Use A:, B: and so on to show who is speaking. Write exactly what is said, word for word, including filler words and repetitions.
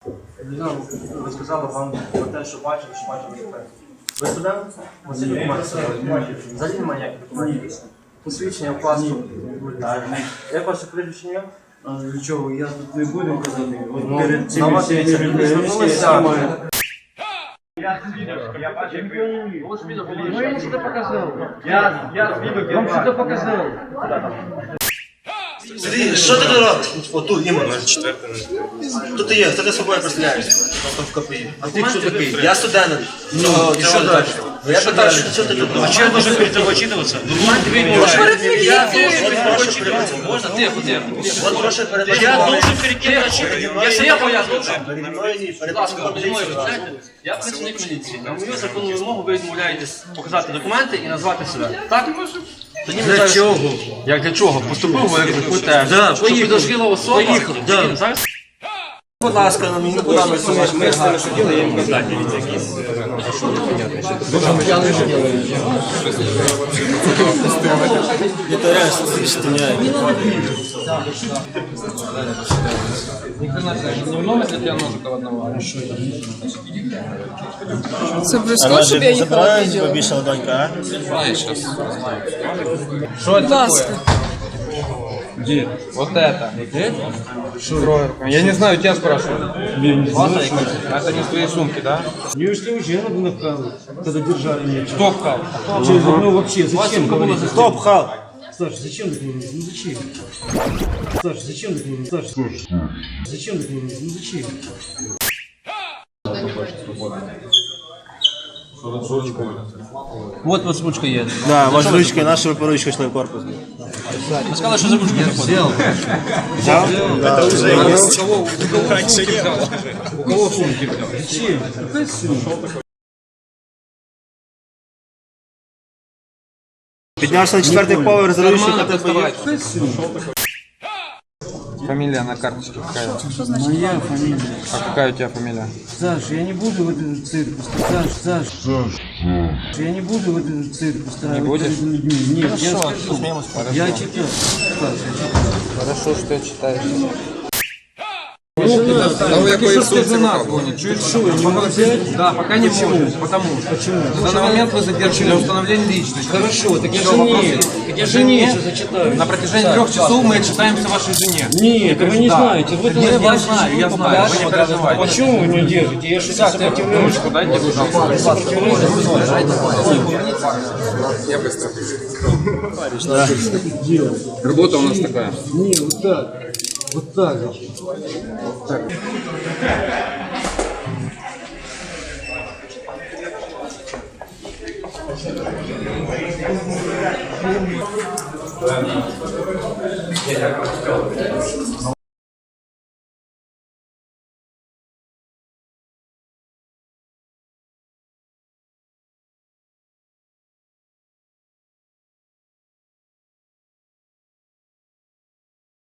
A: Людина розказала вам про те, що бачили, що бачили експерт. Ви студент? Ось документи. Взагалі немає ніяких документів. Посвідчення, вкладку. Як ваше прізвище ім'я?
B: Нічого, я тут не буду казати.
A: Ну, перед цим всім звернулися.
B: Ну я что-то показал. Я, я вам что-то показал.
C: Сергій, що ти тут робиш? Отут, іменно. Хто ти є? Хто ти собою представляєшся? В КПІ. А ти хто такий? Я студент. Ну, і що далі? Я питаю, що ти тут робиш?
D: А что я должен перед тобой отчитываться? Документы видно. Можно? Тихо, тихо.
C: От прошу передати.
D: Я должен перед кем отчитываться? Я все поясню.
C: Переді мною ні, перед
D: Будь ласка, переді мною відповідайте. Я працівник міліції. На мою законну вимогу ви відмовляєтесь показати документи і назвати себе. Так? Тоді ми
B: Для
D: зараз-
B: чого?
D: Як для чого? Поступив ви як теж.
B: Да,
D: Що підозріла особа?
B: Поїхав, да.
D: Тоді зараз
C: Будь ласка, на мені куди ми суміш? Ми з тими, що діли, я їм казати.
E: Це близько, щоб я їхала відео.
C: Побільшала донька,
E: Будь ласка.
F: Вот это. Я не знаю, тебя спрашиваю. Это не из твоей сумки, да?
B: Мне что уже надо направить, когда держали меня.
F: Кто вкал?
B: Ну вообще, зачем говорить?
C: Хто пхав?
B: Саша, зачем так говорить? Ну зачем? Саша, зачем так говорить? Саша, зачем так говорить? Ну зачем?
D: Вот вот ручка є.
C: Да, ваша ручка, наша ви ручку йшли в корпус.
D: Ви сказали, що за ручку заходить.
C: Взяв? Це вже є.
F: У кого в сумке взял?
B: Зачем? Какая сумма?
C: Піднявся на четвертий поверх, за ручку,
F: Нормально
C: та тебе є.
F: доставай.
B: Какая сумма?
F: Фамилия на карточке какая?
B: Моя фамилия.
F: А какая у тебя фамилия?
B: Саш, я не буду в эту церковь. Саш, Саш. Саш. Я не буду в эту церковь ставить.
F: Не будешь?
B: перед людьми. Нет, я скажу. Я читаю. Саш, я читаю.
F: Хорошо, что я читаю. Того, якої сумці нас гонит. Чуть что,
B: не могу взять?
F: Да, пока не можешь. Потому что.
B: Почему?
F: На данный момент вы задержаны для установления личности.
B: Хорошо, так я
F: Всё,
B: жене.
F: вопросы?
B: Так я жене же зачитаю.
F: На протяжении трех часов мы отчитаемся вашей жене.
B: Нет, вы не
F: Да.
B: знаете. Вы
F: Я, я знаю, я знаю, вы не переживайте.
B: Почему вы не держите? Я же сопротивляюсь.
F: Ручку дайте, пожалуйста. Я быстро. Работа у нас такая.
B: Не, вот так. Вот так. Так.